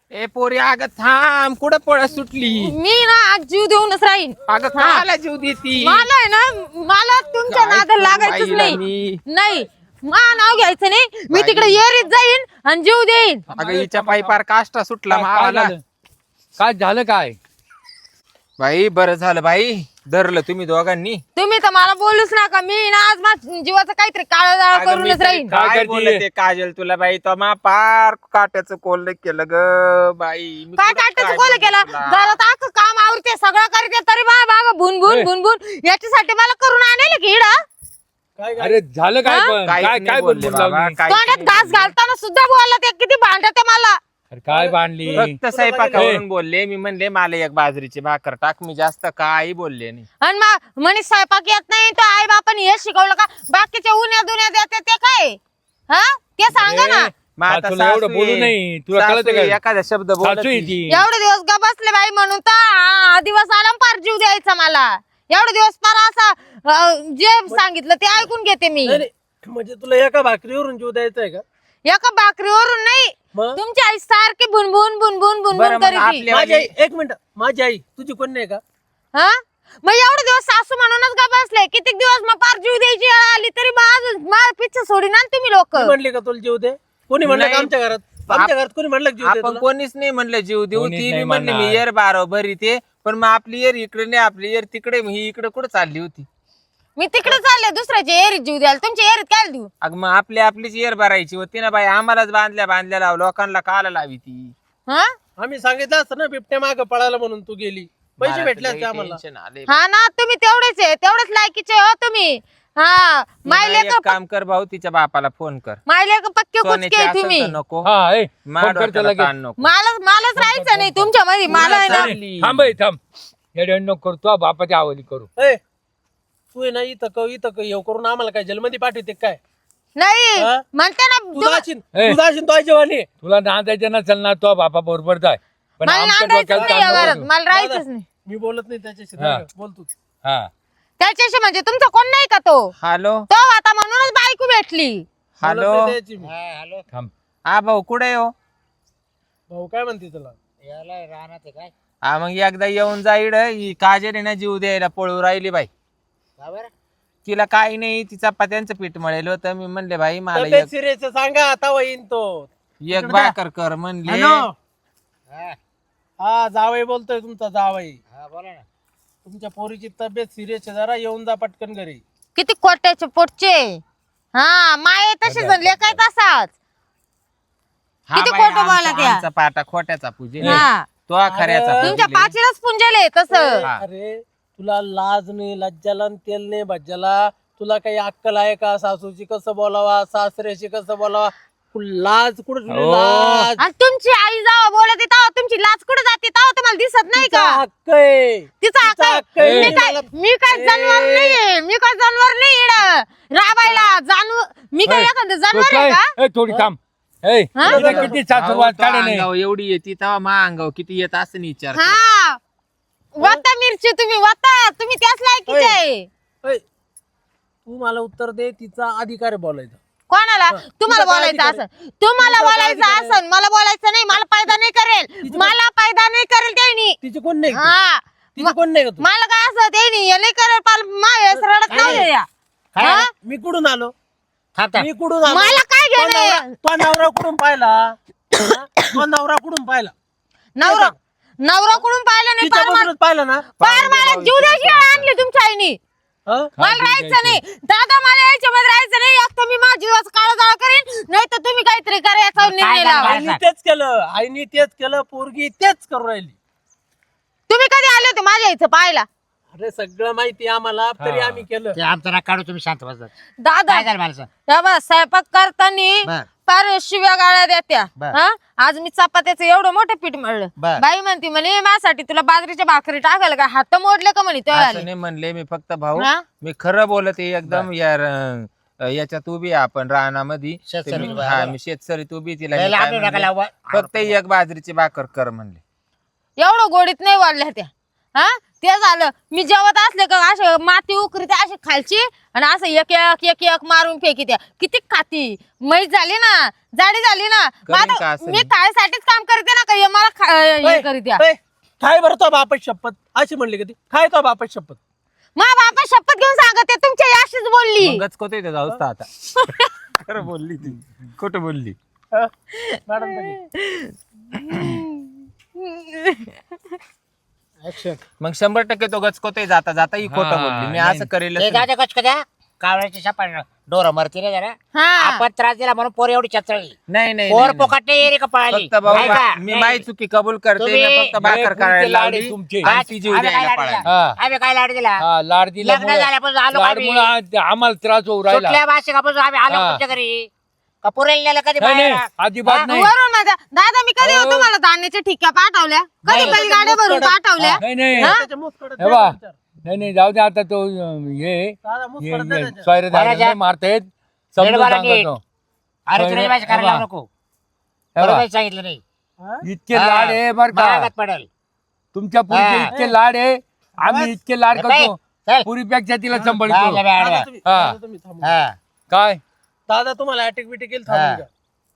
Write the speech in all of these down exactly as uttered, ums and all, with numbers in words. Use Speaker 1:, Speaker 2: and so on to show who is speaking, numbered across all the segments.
Speaker 1: ए पोरी अगं थांब कुठं पळ सुटली
Speaker 2: मी ना आज जीव देऊनच राहीन.
Speaker 1: अगं काला जीव देती
Speaker 2: मला आहे ना मला तुमच्या
Speaker 1: काय
Speaker 2: नादाला
Speaker 1: करू
Speaker 2: लागायचंच
Speaker 1: बाईला
Speaker 2: नाही.
Speaker 1: मी?
Speaker 2: नाही मा नाव घ्यायचं नाही. Me
Speaker 1: by.
Speaker 2: तिकडे येरीत जाईन आणि जीव देईन.
Speaker 1: अगं हिच्या पायी पार काष्टा सुटला
Speaker 3: काय- काय
Speaker 1: मावाला.
Speaker 3: झालं? काय झालं काय
Speaker 1: बाई बरं झालं बाई धरलं तुम्ही दोघांनी.
Speaker 2: तुम्ही तर मला बोलूच नका. मी ना आज माझ्या जीवाचं काहीतरी काळा जाळ
Speaker 1: अगं मी
Speaker 2: करूनच
Speaker 1: तरी
Speaker 2: राहीन.
Speaker 3: काय
Speaker 1: काय
Speaker 3: करतीये?
Speaker 1: बोलते काजल तुला बाई तो मा पार काट्याचं कोल्ह केलं ग बाई. मी
Speaker 2: काय
Speaker 1: कुठं
Speaker 2: काटायचं
Speaker 1: काय
Speaker 2: कोल
Speaker 1: बोलू
Speaker 2: केलं
Speaker 1: तुला?
Speaker 2: घरात अख्खं काम आवडते सगळं करते तरी बा बाबा भुन भुन
Speaker 3: ए.
Speaker 2: भुन भुन याच्यासाठी मला करून आणले की इडा
Speaker 4: काय काय
Speaker 3: अरे झालं काय
Speaker 2: हा?
Speaker 3: पण
Speaker 1: काहीच
Speaker 3: काय
Speaker 1: नाही
Speaker 3: काय
Speaker 1: बोलले
Speaker 3: बोलून
Speaker 1: बाबा,
Speaker 3: लावली?
Speaker 1: काहीच
Speaker 2: तोंडात
Speaker 1: नाही
Speaker 2: घास
Speaker 1: बोलले.
Speaker 2: घालताना सुद्धा बोलला ते किती भांडते मला.
Speaker 3: अरे काय बांधली
Speaker 1: फक्त स्वयंपाकावरून बोलले मी म्हणले मला एक बाजरीची भाकर टाक. मी जास्त काही बोलले नाही.
Speaker 2: आणि मग म्हणे स्वयंपाक येत नाही तो आई बापाने हे शिकवलं का बाकीच्या उन्या दुन्या देते ते काय हा ते सांगा ना.
Speaker 1: मग आता
Speaker 3: सासूला एवढं
Speaker 1: सासू
Speaker 3: बोलू
Speaker 1: आहे.
Speaker 3: नाही. तुला
Speaker 1: सासू
Speaker 3: कळतं
Speaker 1: आहे,
Speaker 3: का?
Speaker 1: एखादा शब्द
Speaker 3: सासू
Speaker 1: बोलत
Speaker 3: आहे
Speaker 1: नाही.
Speaker 3: ती.
Speaker 2: एवढे दिवस ग बसले बाई म्हणून तर हा दिवस आला न पार जीव द्यायचा मला. एवढे दिवस पार असा अं, जे सांगितलं ते ऐकून घेते मी.
Speaker 4: नाही, नाही. म्हणजे तुला एका भाकरीवरून जीव द्यायचा आहे का?
Speaker 2: एका भाकरीवरून नाही.
Speaker 4: मग
Speaker 2: तुमची आई सारखी भुनभुन भुनभुन
Speaker 1: बरं,
Speaker 2: भुनभुन
Speaker 1: मग
Speaker 2: करीती.
Speaker 1: आपल्या-
Speaker 4: माझी आई एक मिनिट माझी आई तुझी कोण नाही का?
Speaker 2: हा मग एवढे दिवस सासू म्हणूनच का बसले किती दिवस मग पार जीव द्यायची वेळ आली तरी माझं माझं पिच्छ सोडी ना तुम्ही लोक.
Speaker 4: कोणी म्हणले का तुला जीव दे? कोणी म्हणलं का
Speaker 1: नाही.
Speaker 4: आमच्या घरात? आमच्या घरात कोणी म्हणलं का जीव दे
Speaker 1: आपण
Speaker 4: तुला?
Speaker 1: कोणीच नाही म्हणलं जीव देऊ.
Speaker 3: कोणीच
Speaker 1: ती मी
Speaker 3: नाही
Speaker 1: म्हणली मी
Speaker 3: म्हणणार.
Speaker 1: येर बारो भरी ते पण मग आपली येर इकडे नाही आपली येर तिकडे ही इकडे कुठे चालली होती.
Speaker 2: मी तिकडे चालले दुसऱ्याच्या एरीत जीव द्यायला तुमच्या एरीत काय देऊ.
Speaker 1: अग मग आपली आपलीच येर भरायची होती ना बाई. आम्हालाच बांधल्या बांधल्या लाव लोकांना काला लावी ती.
Speaker 2: हा
Speaker 4: आम्ही सांगितलं असतं ना बिबट्या माग पळाला म्हणून तू गेली. पैसे
Speaker 1: मला
Speaker 4: भेटले
Speaker 1: तर
Speaker 4: असते
Speaker 1: लई
Speaker 4: आम्हाला.
Speaker 1: टेन्शन आलंय.
Speaker 2: हा ना तुम्ही तेवढेच आहे तेवढेच लायकीचे हो तुम्ही. हा
Speaker 1: तू ना
Speaker 2: मायले
Speaker 1: एक काम कर भाऊ तिच्या बापाला फोन कर.
Speaker 2: मायले पक्के
Speaker 1: सोन्याची
Speaker 2: कुचके आहे
Speaker 1: असेल
Speaker 2: तुम्ही.
Speaker 1: तर नको
Speaker 3: हा ए
Speaker 1: मा
Speaker 3: फोन कर
Speaker 1: डोक्याला
Speaker 3: त्याला
Speaker 1: ताण नको.
Speaker 2: मला मलाच राहायचं नाही तुमच्या मध्ये. मला आहे ना
Speaker 1: चालली.
Speaker 3: थांब ए, थांब येडे नको करू तू बापाच्या आवली करू.
Speaker 4: ए, तू आहे ना इथं क इथं क येऊ करून आम्हाला काय जलमधी पाठवते काय?
Speaker 2: नाही
Speaker 4: हा?
Speaker 2: म्हणते ना
Speaker 4: तू
Speaker 2: तुम-
Speaker 4: जाशील
Speaker 3: ए.
Speaker 4: तू जाशील तो जेवणी.
Speaker 3: तुला नांदायचं नसेल ना तो बापा बरोबर जाय पण
Speaker 2: मला
Speaker 3: आमच्या
Speaker 2: नांदायचंच
Speaker 3: डोक्याला
Speaker 2: नाही या
Speaker 3: ताण
Speaker 2: घरात.
Speaker 3: नको
Speaker 2: मला राहायचंच नाही
Speaker 4: मी बोलत नाही त्याच्याशी.
Speaker 3: हा.
Speaker 4: बोल तू.
Speaker 3: हा
Speaker 2: त्याच्याशी म्हणजे तुमचा कोण नाही का तो
Speaker 1: हॅलो
Speaker 2: तो आता म्हणूनच बायको भेटली.
Speaker 4: बोलत
Speaker 1: हॅलो
Speaker 4: नाही त्याची मी.
Speaker 3: थांब
Speaker 1: हा भाऊ कुठे हो?
Speaker 4: भाऊ काय म्हणते तुला?
Speaker 1: हा मग एकदा येऊन जाईड ही काजरी ना जीव द्यायला पळू राहिली बाई. तिला काही नाही तिचा पत्यांचं पीठ मळेल होतं. मी म्हणले भाई मला
Speaker 4: तब्येत
Speaker 1: एक
Speaker 4: सिरियस सांगा आता येईन तो.
Speaker 1: एक भाकर कर म्हणले.
Speaker 4: हॅलो. हा जावई बोलतोय तुमचा जावई. तुमच्या पोरीची तब्येत सिरियस आहे जरा येऊन जा पटकन घरी.
Speaker 2: किती कोट्याचे पोटचे. हा माये तसे जणले काय तसाच.
Speaker 1: हा
Speaker 2: किती
Speaker 1: बाई,
Speaker 2: खोटं
Speaker 1: आमचा-
Speaker 2: बोला त्या.
Speaker 1: आमचा पाटा खोट्याचा पूजे
Speaker 2: हा
Speaker 1: तो हा खऱ्याचा
Speaker 4: अरे.
Speaker 2: तुमच्या
Speaker 1: पूजेले.
Speaker 2: पाचीलाच पुंजले तसं.
Speaker 1: हा.
Speaker 4: अरे तुला लाज नाही लज्जाला आणि तेल नाही भज्जाला. तुला काही अक्कल आहे का? सासूची कसं बोलावा सासऱ्याशी कसं बोलावा? तू लाज कुठं ठेवली?
Speaker 3: हो.
Speaker 4: लाज
Speaker 2: आणि तुमची आई जावा बोलत तेव्हा तुमची लाच कुठे जाते तेव्हा तुम्हाला दिसत नाही
Speaker 4: तिचा
Speaker 2: का.
Speaker 4: हक्क आहे.
Speaker 2: तिचा हक्क आहे.
Speaker 4: हक्क आहे.
Speaker 2: मी काय मी काय जनावर नाहीये. मी काय जनावर नाही इकडं राबायला जानू. मी काय
Speaker 3: ए,
Speaker 2: एखादं
Speaker 3: तो
Speaker 2: जनावर आहे
Speaker 3: काय?
Speaker 2: का.
Speaker 3: ए, थोडी थांब ए
Speaker 2: हा?
Speaker 3: तिला किती सासूरवाद
Speaker 1: अहो, तो
Speaker 3: काढे नाही
Speaker 1: अंगावर एवढी येते तेव्हा मा अंगावर किती येत असं नाही विचार कर.
Speaker 2: हा वता मिरची तुम्ही वता तुम्ही त्याच लायकीचे आहे.
Speaker 4: ऐ, तू मला उत्तर दे. तिचा अधिकार आहे बोलायचा.
Speaker 2: कोणाला तुम्हाला
Speaker 4: तुझा काय
Speaker 2: बोलायचं
Speaker 4: अधिकार
Speaker 2: असं तुम्हाला
Speaker 4: तुझा काय
Speaker 2: बोलायचं
Speaker 4: अधिकार आहे?
Speaker 2: असं मला बोलायचं नाही. मला फायदा नाही करेल.
Speaker 4: तिची-
Speaker 2: मला फायदा नाही करेल त्यांनी.
Speaker 4: तिची कोण नाही का?
Speaker 2: हा
Speaker 4: तिची कोण नाही का तू?
Speaker 2: मला काय असं त्यांनी हे नाही करेल पाल माझ्या रडत नाही या. हा?
Speaker 4: मी कुठून आलो? मी कुठून आलो?
Speaker 2: मला काय
Speaker 4: तो
Speaker 2: घेणं
Speaker 4: नवरा-
Speaker 2: आहे?
Speaker 4: तो नवरा कुठून पाहिला? हा? तो नवरा कुठून पाहिला?
Speaker 2: नवरा नवरा कुठून पाहिलं नाही पार मला-
Speaker 4: तिच्याबरोबरच पाहिलं ना?
Speaker 2: पार मला जीव द्यायची वेळ आणली तुमच्या आईनी.
Speaker 4: हा?
Speaker 2: मला राहायचं नाही दादा. मला याच्यामध्ये राहायचं नाही. एक तर मी माझ्या जीवाचं काळं जाळ करीन नाही तर तुम्ही काहीतरी करा याचा निर्णय लावा.
Speaker 4: आईनी तेच केलं. आईनी तेच केलं. पोरगी तेच करू राहिली.
Speaker 2: तुम्ही कधी आले होते माझ्या आईचं पाहायला.
Speaker 4: अरे सगळं माहिती आहे आम्हाला तरी
Speaker 3: हा.
Speaker 4: आम्ही केलं.
Speaker 5: ते आमचं नाक काढू तुम्ही शांत बसा.
Speaker 2: दादा
Speaker 5: काय झालं मला सांग?
Speaker 2: या बा स्वयंपाक करताना
Speaker 5: बर
Speaker 2: फार शिव्या गाळ्या देत्या.
Speaker 5: बर.
Speaker 2: हा आज मी चपात्याचं एवढं मोठं पीठ मळलं.
Speaker 5: बर.
Speaker 2: बाई म्हणती म्हणे माझ्यासाठी तुला बाजरीच्या भाकरी टाकायला का हात मोडले का म्हणे तो
Speaker 1: असं
Speaker 2: आले.
Speaker 1: नाही म्हणले मी फक्त भाऊ
Speaker 2: हा?
Speaker 1: मी खरं बोलत आहे एकदम यार अं, याच्यात उभी आहे आपण रानामध्ये.
Speaker 5: शेतसरी
Speaker 1: ते मी-
Speaker 5: उभी आहे.
Speaker 1: हा मी शेतसरी उभी तिला
Speaker 5: लय
Speaker 1: मी
Speaker 5: लांब
Speaker 1: काय
Speaker 5: येऊ नका
Speaker 1: म्हणले,
Speaker 5: लावा.
Speaker 1: फक्त एक बाजरीची भाकर कर म्हणले.
Speaker 2: एवढं गोडीत नाही वाढल्या त्या. हा ते झालं मी जेवत असले का असे माती उकरीते अशी खालची आणि असं एक एक एक एक मारून फेकी त्या. किती खाती मैस झाली ना जाडी झाली ना. मग
Speaker 1: करीन का
Speaker 2: आता
Speaker 1: असं
Speaker 2: मी
Speaker 1: मी?
Speaker 2: खायसाठीच काम करते ना का हे मला हे करीत्या
Speaker 4: ए, काय बरं तो बापच शपथ अशी म्हणली कधी काय तो बापच शपथ
Speaker 2: मा बापा शपथ घेऊन सांगते तुमच्या याशीच बोलली
Speaker 1: मगच कोते ते जाऊस आता खरं बोलली ती खोटं बोलली
Speaker 4: हा? मॅडम ऍक्शन
Speaker 1: मग शंभर टक्के तो गचकोते जाता जाता ही खोटं
Speaker 3: हा,
Speaker 1: बोलली मी
Speaker 3: नाही.
Speaker 1: असं करेल
Speaker 5: ते जाऊ दे कच कद्या कावळ्याची सापड डोर मरती रे जरा
Speaker 2: हा
Speaker 5: आपण त्रास दिला म्हणून पोर एवढी चचळली
Speaker 1: नाही नाही
Speaker 5: पोर
Speaker 1: नाही,
Speaker 5: पोकाटे रे का पळाली
Speaker 1: फक्त भाऊ
Speaker 5: नाही का?
Speaker 1: मी
Speaker 5: नाही.
Speaker 1: माही चुकी कबूल करते
Speaker 5: तुम्ही-
Speaker 1: मी फक्त भाकर
Speaker 3: हे
Speaker 1: करायला
Speaker 3: पुढचे लाड
Speaker 1: लावली
Speaker 3: आहे तुमचे.
Speaker 1: आणि ती जीव
Speaker 5: आम्ही काय
Speaker 1: द्यायला
Speaker 5: लाड दिला?
Speaker 1: पळाली
Speaker 3: हा.
Speaker 5: आम्ही काय लाड दिला
Speaker 3: हा लाड दिला
Speaker 5: लग्न झाल्यापासून आलो
Speaker 3: लाड
Speaker 5: आम्ही.
Speaker 3: मुळे आम्हाला त्रास होऊ राहिला
Speaker 5: सुटल्या भाषिकापासून आम्ही आलो
Speaker 3: हा.
Speaker 5: तुमच्या घरी कपुरेल नेलं कधी
Speaker 3: नाही
Speaker 5: बाहेर
Speaker 3: नाही, अजिबात
Speaker 5: हा?
Speaker 3: नाही
Speaker 2: वरून माझ्या दादा मी कधी
Speaker 3: अहो.
Speaker 2: तुम्हाला धान्याच्या ठिक्या पाठवल्या कधी
Speaker 3: नाही.
Speaker 2: बैलगाड्या भरून पाठवल्या
Speaker 3: नाही नाही
Speaker 2: हा?
Speaker 4: त्याच्या मुसकडं
Speaker 3: हे बा.
Speaker 4: द्या विचार.
Speaker 3: नाही नाही जाऊ दे आता तो अं, हे
Speaker 4: दादा मुसकडं द्या त्याच्या.
Speaker 3: सोयरे
Speaker 5: बरं,
Speaker 3: मारतायत
Speaker 5: दीड
Speaker 3: समजून
Speaker 5: बारा नीट.
Speaker 3: सांगतो
Speaker 5: अरे तुला भाषा करायला
Speaker 3: हे बा.
Speaker 5: लावू नको
Speaker 3: हे बा.
Speaker 5: बरोबर सांगितलं नाही
Speaker 4: हा?
Speaker 3: इतके लाड आहे बर का
Speaker 5: महागात पडेल
Speaker 3: तुमच्या पुरीचे
Speaker 5: हा.
Speaker 3: इतके लाड आहे आम्ही इतके लाड
Speaker 5: हे बाई,
Speaker 3: करतो
Speaker 5: चल.
Speaker 3: पुरीपेक्षा तिला
Speaker 5: जा,
Speaker 3: सांभाळतो
Speaker 5: जा, जा,
Speaker 4: दादा
Speaker 5: जा.
Speaker 4: तुम्ही
Speaker 3: हा.
Speaker 4: दादा तुम्ही थांबा.
Speaker 5: हा.
Speaker 3: काय
Speaker 4: दादा तुम्हाला अटॅक बिटॅक येईल
Speaker 5: हा.
Speaker 4: थांबून घ्या.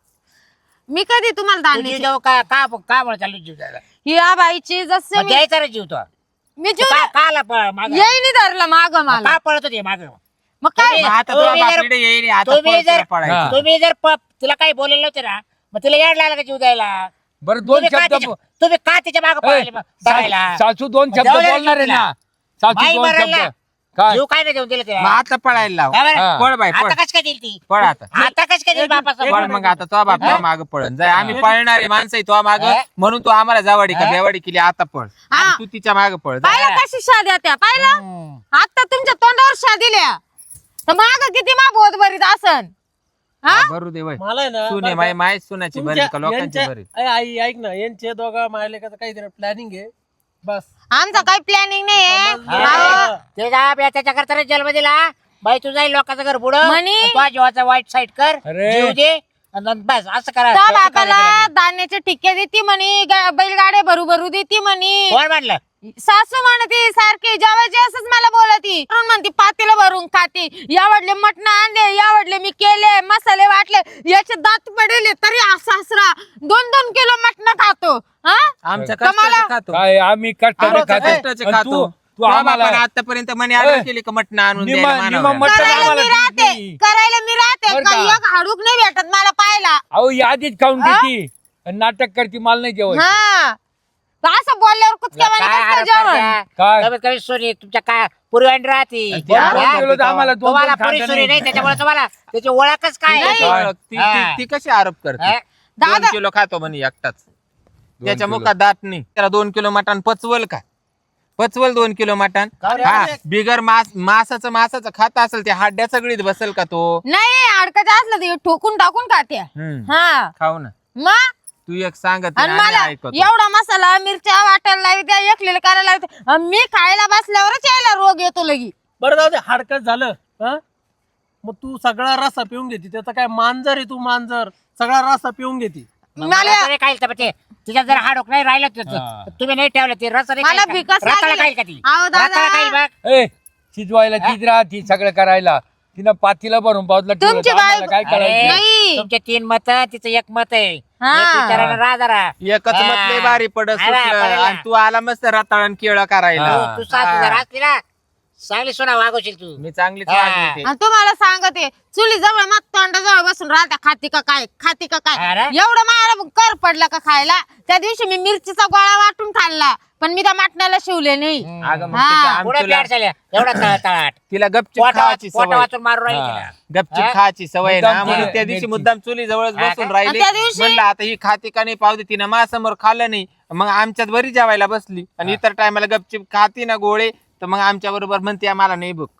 Speaker 2: मी कधी तुम्हाला
Speaker 5: तुझी
Speaker 2: धान्याची
Speaker 5: जेव्हा का का का म्हणून चालू जीव द्यायला
Speaker 2: या बाईची जसे
Speaker 5: मग
Speaker 2: मी
Speaker 5: द्यायचा रे जीव तो
Speaker 2: मी जीव
Speaker 5: का काला पळ माग
Speaker 2: येईनी धरलं माग मला
Speaker 5: का पळत होते माग
Speaker 2: मग काय
Speaker 5: तुम्ही-
Speaker 1: मग आता
Speaker 5: तुम्ही
Speaker 1: तुला
Speaker 5: जर-
Speaker 1: बापडे येईल आता
Speaker 5: तुम्ही
Speaker 1: परत तुला
Speaker 5: जर
Speaker 1: पळायचं.
Speaker 3: हा.
Speaker 5: तुम्ही जर प- तिला काही बोलले नव्हते ना मग तिला याड लागला का जीव द्यायला
Speaker 3: बरं दोन
Speaker 5: तुम्ही का
Speaker 3: शब्द
Speaker 5: तिच्या- तुम्ही का तिच्या माग
Speaker 3: ए,
Speaker 5: पळाले मग बघायला?
Speaker 3: सा- सासू दोन शब्द
Speaker 5: जाऊ दे रे
Speaker 3: बोलणार आहे ना सासू
Speaker 5: माई
Speaker 3: दोन
Speaker 5: मरल ना.
Speaker 3: शब्द काय
Speaker 5: जीव काय नाही देऊन दिलं
Speaker 1: मग
Speaker 5: तिला
Speaker 1: आता पळायला लाव
Speaker 5: का बरं?
Speaker 3: हा.
Speaker 1: पळ बाई पळ
Speaker 5: आता कस काय दिली ती
Speaker 1: पळ आता
Speaker 5: आता कस काय दिली बापाचा
Speaker 1: पळ मग आता तो बाप
Speaker 5: हा?
Speaker 1: माग पळण जाय आम्ही पळणारे माणसं आहे तो माग
Speaker 5: हा?
Speaker 1: म्हणून तू आम्हाला जावाडी का
Speaker 5: हा?
Speaker 1: बेवाडी केली आता पळ
Speaker 2: हा.
Speaker 1: आणि तू तिच्या माग पळ जा.
Speaker 2: पाहिलं कशी शाद्या त्या पाहिलं
Speaker 5: हम्म.
Speaker 2: आता तुमच्या तोंडावर शा दिल्या तर माग किती मा बोध बरीत असन हा
Speaker 1: भरू दे वय
Speaker 4: मला आहे ना
Speaker 1: सुने
Speaker 4: बरं
Speaker 1: माय
Speaker 4: का,
Speaker 1: माय सुनाची बरी
Speaker 4: तुमच्या-
Speaker 1: का लोकांची
Speaker 4: यांच्या-
Speaker 1: बरी
Speaker 4: ए, आई ऐक ना यांचे दोघं मायलेकाचं काहीतरी प्लॅनिंग आहे बस
Speaker 2: आमचा काही प्लॅनिंग नाही
Speaker 4: समजलं.
Speaker 2: आहे
Speaker 5: ते जा बे, त्याच्याकरता रे जन्म दिला बाई तू जाईल लोकांचं घर बुड
Speaker 2: म्हणी?
Speaker 5: तुझ्या जीवाचा वाईट साईड कर
Speaker 3: अरे.
Speaker 5: जीव दे आणि नंतर बस असं करा
Speaker 2: त्या
Speaker 5: असं
Speaker 2: बापाला
Speaker 5: करा.
Speaker 2: धान्याचे ठिक्के देती म्हणे गा- बैलगाड्या भरू भरू देती म्हणे
Speaker 5: कोण म्हणलं
Speaker 2: सासू म्हणती सारखी जेवायची असंच मला बोलती म्हणून म्हणती पातेलं भरून खाती यावडले मटण आणले यावडले मी केले मसाले वाटले याचे दात पडले तरी हा सासरा दोन दोन किलो मटण खातो हा
Speaker 1: आमच्या
Speaker 2: कमाला.
Speaker 1: कष्टाचे खातो
Speaker 3: काय आम्ही कष्टाने
Speaker 1: आमच्या
Speaker 3: खातो
Speaker 1: कष्टाचे
Speaker 3: आणि
Speaker 1: खातो
Speaker 3: तू तू
Speaker 1: तो
Speaker 3: आम्हाला
Speaker 1: बापाने आतापर्यंत म्हणे ऑर्डर
Speaker 3: ए,
Speaker 1: केली का मटण आणून
Speaker 3: निमा-
Speaker 1: द्यायला
Speaker 3: निमा
Speaker 1: मानवाला.
Speaker 3: मटण
Speaker 2: करायला
Speaker 3: आम्हाला
Speaker 2: मी
Speaker 3: देत
Speaker 2: राहते
Speaker 3: नाही.
Speaker 2: करायला मी राहते
Speaker 3: बरं
Speaker 2: काही
Speaker 3: का?
Speaker 2: एक हाडूक नाही भेटत मला पाहायला
Speaker 3: अहो यादीच खाऊन घेती आणि नाटक करती मला नाही जेवायचं
Speaker 2: हा असं बोलल्यावर कुचक्या
Speaker 5: काय
Speaker 2: वाणी कसं
Speaker 5: आरोप
Speaker 2: जेवण
Speaker 5: करता?
Speaker 3: काय?
Speaker 5: कमीत कमी सोनी तुमच्या काय पूर्वी राहते
Speaker 1: आणि ती
Speaker 3: बरं,
Speaker 1: आरोप
Speaker 3: दोन
Speaker 5: हा?
Speaker 3: किलो तर आम्हाला दोन
Speaker 5: तुम्हाला
Speaker 3: दोन
Speaker 5: पुरी
Speaker 3: खाता
Speaker 5: सुरी नाही त्याच्यामुळे तुम्हाला त्याची ओळखच काय
Speaker 1: ती कशी
Speaker 5: आहे?
Speaker 1: ओळख? ती-
Speaker 5: हा.
Speaker 1: ती- ती कशी आरोप करते
Speaker 5: हा?
Speaker 1: दोन
Speaker 2: दादा
Speaker 1: किलो खातो म्हणे एकटाच त्याच्या
Speaker 3: किलो.
Speaker 1: मुखात दात नाही त्याला दोन किलो मटण पचवल का पचवल दोन किलो मटण
Speaker 5: का रे?
Speaker 1: हा बिगर मास मासाचं मासाचं खात असेल ते हाड्या सगळीत बसेल का तो
Speaker 2: नाही अडकाचं असलं ते ठोकून टाकून खाते
Speaker 1: हम्म.
Speaker 2: हा
Speaker 1: खाऊ ना
Speaker 2: मग
Speaker 1: तू एक सांगत
Speaker 2: आणि
Speaker 1: नाही, आम्ही
Speaker 2: मला
Speaker 1: ऐकतो
Speaker 2: एवढा मसाला मिरच्या वाटायला लावत्या एकलेलं करायला लावते आणि मी खायला बसल्यावरच यायला रोग येतो लगी
Speaker 4: बरं जाऊ दे हाडकत झालं हा मग तू सगळा रसा पिऊन घेते त्याचा काय मांजर आहे तू मांजर सगळा रसा पिऊन घेते
Speaker 5: मग
Speaker 2: मला
Speaker 5: मला तरी खाईल तर ते तिच्यात जर हाडोक नाही राहिलं तर-
Speaker 3: हा.
Speaker 5: तुम्ही नाही ठेवलं ते रस
Speaker 2: मला भिकच लागली.
Speaker 5: खाईल का ती
Speaker 2: अहो दादा.
Speaker 5: रताळा खाईल बघ
Speaker 3: ए शिजवायला तीच राहती सगळं करायला तिनं पातीला भरून पावतला ठेवलं
Speaker 2: तुमची
Speaker 3: तर आम्हाला
Speaker 2: बाई-
Speaker 3: काय
Speaker 5: अरे,
Speaker 3: करायचं
Speaker 2: नाही.
Speaker 5: तुमचे तीन मत तिचं एक मत आहे
Speaker 2: हा.
Speaker 5: एक विचारानं राहा जरा
Speaker 1: एकच
Speaker 5: हा.
Speaker 1: मतले बारी पडत
Speaker 5: अरे,
Speaker 1: सुटलं
Speaker 5: पडेल.
Speaker 1: आणि तू आला मस्त रताळण केळ करायला
Speaker 3: हा.
Speaker 5: तू सासू जर असली ना चांगली सोना वागवशील तू
Speaker 1: मी चांगलीच
Speaker 5: हा.
Speaker 1: वागली ते.
Speaker 2: आणि तुम्हाला सांगते चुली जवळ मग तोंडाजवळ बसून राहता खाती का काय खाती का काय
Speaker 5: अरे.
Speaker 2: एवढं मला कर पडला का खायला त्या दिवशी मी मिरचीचा गोळा वाटून खाल्ला पण मी त्या मटणाला शिवले नाही
Speaker 1: अगं मग
Speaker 2: हा.
Speaker 1: तिच्या
Speaker 5: पुढे
Speaker 1: आमचूला-
Speaker 5: प्यार झाल्या एवढा तळ- तळाट
Speaker 1: तिला गपचूप खायची
Speaker 5: पोटा
Speaker 1: सवय
Speaker 5: वाचून मारून राहिली
Speaker 3: हा.
Speaker 5: तिला
Speaker 1: गपचूप
Speaker 5: हा?
Speaker 1: खायची सवय ना
Speaker 3: मुद्दाम
Speaker 1: म्हणून
Speaker 3: तिला
Speaker 1: त्या दिवशी
Speaker 3: मिरची.
Speaker 1: मुद्दाम चुली जवळच
Speaker 5: हा
Speaker 1: बसून
Speaker 5: का?
Speaker 1: राहिले
Speaker 2: आणि त्या दिवशी-
Speaker 1: म्हणलं आता ही खाती का नाही पावते तिनं माझ्यासमोर खाल्लं नाही मग आमच्यात बरी जेवायला बसली आणि इतर टायमाला गपचूप खाती ना गोळे तर मग आमच्या बरोबर म्हणते आम्हाला नाही बुक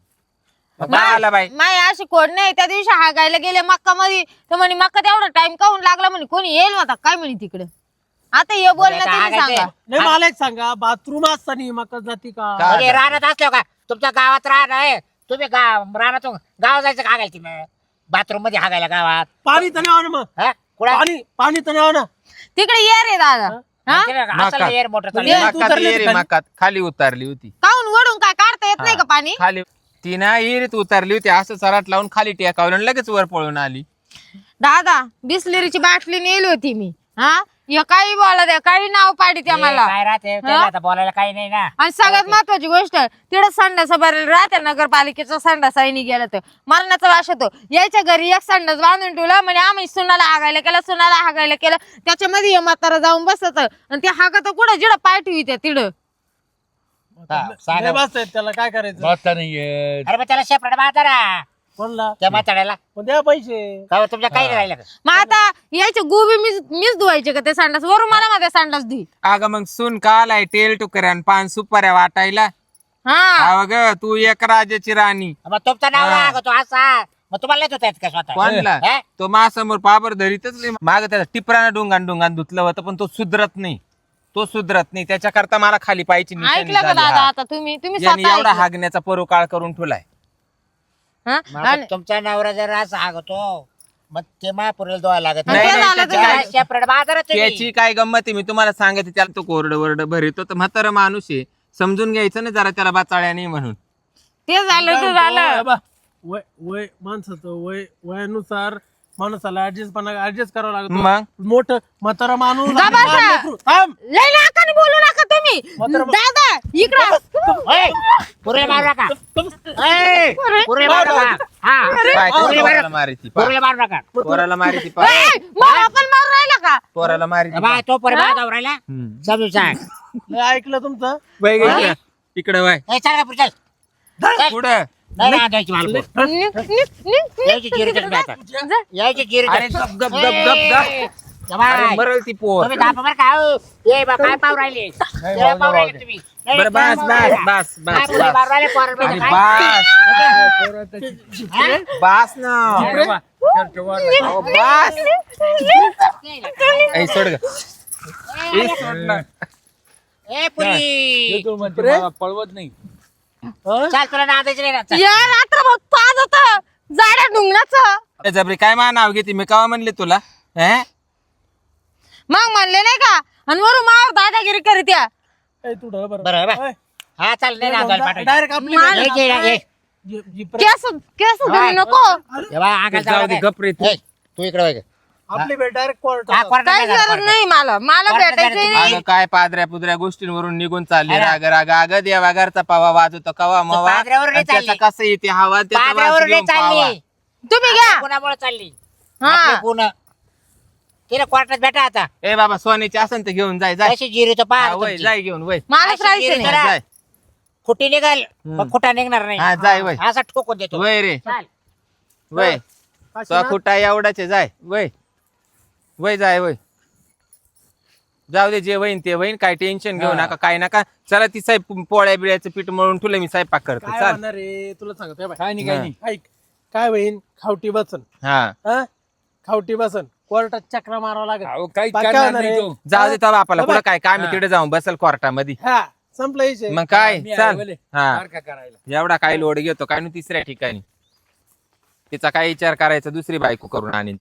Speaker 1: आला बाई
Speaker 2: माय अशी कोण नाही त्या दिवशी हागायला गेले मक्का मध्ये तर म्हणे मक्का तेवढा टाइम काहून लागला म्हणे कोणी येईल होता काय म्हणे तिकडे आता हे बोलणं
Speaker 5: आता
Speaker 2: तुम्ही
Speaker 5: हागायचंय.
Speaker 2: सांगा
Speaker 4: नाही मला एक सांगा बाथरूम असताना मका जाती का
Speaker 1: का?
Speaker 5: म्हणजे राहण्यात असलो का तुमच्या गावात राहणं आहे तुम्ही गाव रानातून गाव जायचं का हागायला तिनं बाथरूम मध्ये हागायला गावात
Speaker 4: पाणी तर नाही ना मग
Speaker 5: हा? कुठं
Speaker 4: पाणी पाणी तर नाही ना
Speaker 2: तिकडे ये रे दादा हा
Speaker 5: तिनं असलं
Speaker 1: मकात.
Speaker 5: एअर मोटर
Speaker 4: म्हणजे
Speaker 5: चालली.
Speaker 4: तू
Speaker 1: मकात
Speaker 4: उतरली
Speaker 1: ये रे,
Speaker 4: खाली?
Speaker 1: मकात खाली उतरली होती
Speaker 2: काहून वडून काय काढता येत नाही का पाणी
Speaker 1: खाली ती ना इरीत उतरली होती असं सराट लावून खाली टेकावलं आणि लगेच वर पळून आली
Speaker 2: दादा बिस्लेरीची बाटली नेली होती मी हा हे काही बोला द्या काही नाव पाडी त्या
Speaker 5: हे
Speaker 2: मला
Speaker 5: काय राहते त्याला आता बोलायला काही नाही ना.
Speaker 2: आणि सगळ्यात महत्वाची गोष्ट तिकडे संडास भरेल राहते नगरपालिकेचा संडास आईनी गेला तर मरणाचा वास होतो. यायच्या घरी एक संडास बांधून ठेवला म्हणजे आम्ही सुनाला हागायला केलं सुनाला हागायला केलं त्याच्यामध्ये हे म्हातारा जाऊन बसत आणि ते हागत कुठं जिडं पाय ठेवी तिडं
Speaker 5: हा, सांगा.
Speaker 4: लय बसताय त्याला काय करायचं
Speaker 3: बसता नाही येत.
Speaker 5: अरे मग त्याला शेपरेट बाजारा
Speaker 4: कोणला
Speaker 5: त्या म्हाताड्याला
Speaker 4: पण द्या पैसे
Speaker 5: का हो, तुमच्या काही नाही राहिलं का?
Speaker 2: मग आता यायचे गोबी मीच मीच धुवायचे का ते संडास वरून मला मध्ये संडास धुई
Speaker 1: अगं मग सून का आलाय तेल टुकऱ्या आणि पान सुपाऱ्या वाटायला
Speaker 2: हा
Speaker 1: अग तू एक राजाची राणी
Speaker 5: मग तुमचा नाव
Speaker 1: हा.
Speaker 5: राग तो असा मग तुम्हाला येत होता का स्वतः
Speaker 1: कोणला
Speaker 5: हे?
Speaker 1: तो माझ्यासमोर पाबर धरीतच नाही माग त्याला टिपरानं डोंगान डोंगान धुतलं होतं पण तो सुधरत नाही तो सुधरत नाही त्याच्याकरता मला खाली पायची निशाणी
Speaker 2: ऐकलं का
Speaker 1: झाली,
Speaker 2: दादा
Speaker 1: हा.
Speaker 2: आता तुम्ही तुम्ही
Speaker 1: याने
Speaker 2: स्वतः
Speaker 1: एवढा
Speaker 2: ऐकलं.
Speaker 1: हागण्याचा परोकाळ करून ठेवलाय
Speaker 2: हा?
Speaker 5: मग आता
Speaker 2: आणि-
Speaker 5: तुमचा नवरा जर असं हागतो मग ते महापुरेला धुवायला लागत
Speaker 2: नाही,
Speaker 5: नाही.
Speaker 2: नाही,
Speaker 1: त्याची
Speaker 2: त्याला
Speaker 1: काय-
Speaker 5: शेपरेट बाजारात
Speaker 1: त्याची काय गंमत आहे मी तुम्हाला सांगते त्याला तो कोरड वरड भरितो तर म्हातारा माणूस आहे समजून घ्यायचं ना जरा त्याला बाचाळ्या नाही म्हणून
Speaker 2: ते झालं ते झालं
Speaker 4: बा, वय वय माणसाचं वय वयानुसार माणसाला ऍडजस्ट पण ऍडजस्ट करावं लागतं
Speaker 1: मग
Speaker 4: मोठं म्हातारा माणूस
Speaker 2: जा बसा.
Speaker 4: लहान लेकरू. थांब.
Speaker 2: लय नाकाने बोलू नका तुम्ही
Speaker 4: म्हातारं-
Speaker 2: दादा इकडं
Speaker 5: ओय, पुरेला मारू नका ओय, पुरेला मारू नका हा
Speaker 1: काय
Speaker 5: पुरेला
Speaker 1: पोराला
Speaker 5: मारू-
Speaker 1: मारिती
Speaker 5: पुरेला मारू नका
Speaker 1: पोराला मारिती पा
Speaker 2: ए, मग आपण मारून राहिला का
Speaker 1: पोराला मारिती
Speaker 5: बाय तो पुरे बाजावर राहिला
Speaker 1: हम्म.
Speaker 5: समजून सांग
Speaker 4: लय ऐकलं तुमचं
Speaker 1: वय गं इकडं. इकडं वय
Speaker 5: ए, चल का पुढे चल
Speaker 1: पुढं
Speaker 5: नाही ना द्यायची मला पोर.
Speaker 2: निक, निक, निक, निक.
Speaker 5: यायची जिरी तरी आता
Speaker 2: जा.
Speaker 5: यायची जिरी
Speaker 1: अरे गप गप गप गप गप अरे मरल ती पोर
Speaker 5: तुम्ही दापा बरं का हो. ये बा काय पाव राहिले
Speaker 3: नाही,
Speaker 5: ये
Speaker 3: भाऊ,
Speaker 5: पाव
Speaker 3: भाऊ,
Speaker 5: राहिले
Speaker 3: भाऊ.
Speaker 5: तुम्ही नाही,
Speaker 1: बरं
Speaker 5: काय
Speaker 1: बस
Speaker 5: पाव
Speaker 1: बस
Speaker 5: राहिले?
Speaker 1: बस
Speaker 5: काय
Speaker 1: बस
Speaker 5: पुरे
Speaker 1: बस
Speaker 5: मारू राहिले पोरं
Speaker 1: अरे
Speaker 5: म्हणजे काय?
Speaker 1: बस
Speaker 5: हा?
Speaker 1: बस ना
Speaker 3: अरे वा, चल, ठेवा ना.
Speaker 1: अहो, बस ऐ सोड ग ए, सोड ना.
Speaker 5: ए पुरी
Speaker 3: ये तू म्हणते मला पळवत नाही.
Speaker 5: चाल तुला नादायचं नाही ना चल.
Speaker 2: या रात्रभर पाच होतं जाड्या डुंगणाचं
Speaker 1: ए, जबरी काय मा नाव घेते मी कवा म्हणले तुला हे
Speaker 2: मग म्हणले नाही का आणि वरून माव दादागिरी करीत या
Speaker 4: ए, तू ढळ बरं.
Speaker 5: बरं बरं
Speaker 4: ओय,
Speaker 5: हा चाल नाही नादायला पाठवायचं.
Speaker 4: डायरेक्ट आपली
Speaker 2: मार-
Speaker 5: ये, ये, ये.
Speaker 4: जी- जी प्रे-
Speaker 2: केस केस धरू नको
Speaker 5: तेव्हा अंगाला
Speaker 1: जाऊ
Speaker 5: जाऊ
Speaker 1: दे
Speaker 5: दे.
Speaker 1: गप रे तू
Speaker 5: ए, तू इकडे वळ.
Speaker 4: आपली भेट डायरेक्ट कोर्ट
Speaker 5: हा, कोर्टात
Speaker 2: काही
Speaker 5: नाही जाणार,
Speaker 2: गरज
Speaker 5: कोर्टात.
Speaker 2: नाही मला मला
Speaker 5: कोर्टात
Speaker 2: भेटायचं
Speaker 5: जाणार
Speaker 2: नाही
Speaker 1: अगं काय पादऱ्या पुदऱ्या गोष्टींवरून निघून चालले
Speaker 5: अरे.
Speaker 1: राग राग अगं देवा घरचा पावा वाजवतो कवा मवा
Speaker 5: पादऱ्यावर नाही
Speaker 1: आणि त्याचा
Speaker 5: चालली.
Speaker 1: कसं येते हवा त्याचा वास
Speaker 5: पादऱ्यावर नाही
Speaker 1: घेऊन पावा.
Speaker 5: चालली
Speaker 2: तुम्ही घ्या
Speaker 5: पुण्यामुळे चालली
Speaker 2: हा
Speaker 5: आपलं पुणं तिला कोर्टात भेटा आता
Speaker 1: ए बाबा सोन्याची असन तर घेऊन जाय जाय
Speaker 5: अशी जिरी तो
Speaker 1: हा,
Speaker 5: पाहा
Speaker 1: वय जाय घेऊन वय
Speaker 2: मलाच
Speaker 5: अशी
Speaker 2: राहायचं
Speaker 5: गिरी
Speaker 2: नाही
Speaker 5: करा.
Speaker 1: जाय
Speaker 5: खुटी निघाल
Speaker 1: हम्म.
Speaker 5: पण खुटा निघणार नाही
Speaker 1: हा जाय वय
Speaker 5: असा ठोकून देतो
Speaker 1: वय रे
Speaker 5: चाल.
Speaker 1: वय तो कुठा एवढाच आहे, जाय वय वय जाय वय जाऊ दे जे वहीन ते वहीन काय टेन्शन घेऊ नका काय नका चला ती साहेब पोळ्या बिळ्याचं पीठ मळून तुला मी स्वयंपाक करतो
Speaker 4: काय
Speaker 1: चाल
Speaker 4: होणार रे तुला सांगतो हे बाय.
Speaker 3: काय नाही काय नाही.
Speaker 4: ऐक काय होईन खावटी बसन
Speaker 1: हा
Speaker 4: हा खावटी बसन कोर्टात चक्रा मारावं लागेल
Speaker 3: अहो, काहीच
Speaker 4: बाकी
Speaker 3: करणार
Speaker 4: होणार
Speaker 3: नाही
Speaker 4: आहे?
Speaker 3: तो.
Speaker 1: जाऊ दे तो बापाला
Speaker 4: बाबा.
Speaker 1: कुठं काय काम आहे
Speaker 3: हा.
Speaker 1: तिकडे जाऊन बसल कोर्टामध्ये
Speaker 4: हा संपलं विषय
Speaker 1: मग काय
Speaker 3: मी आहे
Speaker 1: चाल
Speaker 3: बोले.
Speaker 1: हा
Speaker 3: सारखा करायला
Speaker 1: एवढा काय लोड घेतो काय नाही तिसऱ्या ठिकाणी तिचा काय विचार करायचा दुसरी बायको करून आणीन